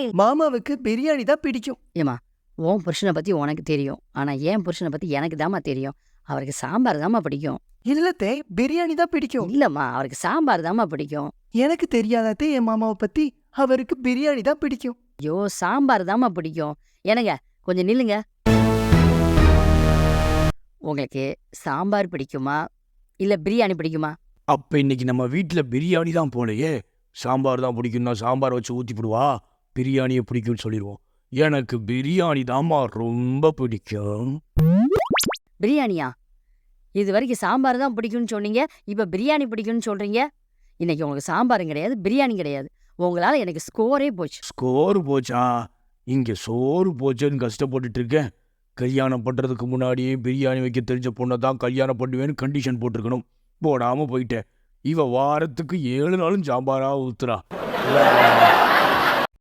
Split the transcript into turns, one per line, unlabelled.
மாமாவுக்கு பிரியாணி தான் பிடிக்கும்.
ஏமா உன் புருஷனை பத்தி உனக்கு தெரியும், ஆனா என் புருஷனை பத்தி எனக்கு தாம்மா தெரியும். அவருக்கு சாம்பார் தாம்மா பிடிக்கும்.
இல்லத்தே, பிரியாணி தான் பிடிக்கும்.
இல்லம்மா, அவருக்கு சாம்பார் தாம்மா பிடிக்கும்.
எனக்கு தெரியாதே என் மாமாவை பத்தி. அவருக்கு பிரியாணி தான் பிடிக்கும்.
ஐயோ, சாம்பார் தாம்மா பிடிக்கும். என்னங்க கொஞ்சம் நில்லுங்க. உங்களுக்கு சாம்பார் பிடிக்குமா இல்ல பிரியாணி பிடிக்குமா?
அப்ப இன்னைக்கு நம்ம வீட்டுல பிரியாணி தான் போலையே. சாம்பார் தான் பிடிக்கும்னா சாம்பார் வச்சு ஊத்தி போடுவா, பிரியாணியை பிடிக்கும்னு சொல்லிடுவோம். எனக்கு பிரியாணி தாம்மா ரொம்ப பிடிக்கும்.
பிரியாணியா? இது வரைக்கும் சாம்பார் தான் பிடிக்கும்னு சொன்னீங்க, இப்ப பிரியாணி பிடிக்கும்னு சொல்றீங்க. இன்னைக்கு உங்களுக்கு சாம்பாரும் கிடையாது, பிரியாணி கிடையாது. உங்களால எனக்கு ஸ்கோரே போச்சு.
ஸ்கோர் போச்சா? இங்க சோறு போச்சேன்னு கஷ்டப்பட்டுட்டு இருக்கேன். கல்யாணம் பண்றதுக்கு முன்னாடியே பிரியாணி வைக்க தெரிஞ்ச பொண்ணை தான் கல்யாணம் பண்ணுவேன்னு கண்டிஷன் போட்டிருக்கணும். போடாம போயிட்டேன். இவ வாரத்துக்கு 7 நாளும் சாம்பாரா ஊத்துறா.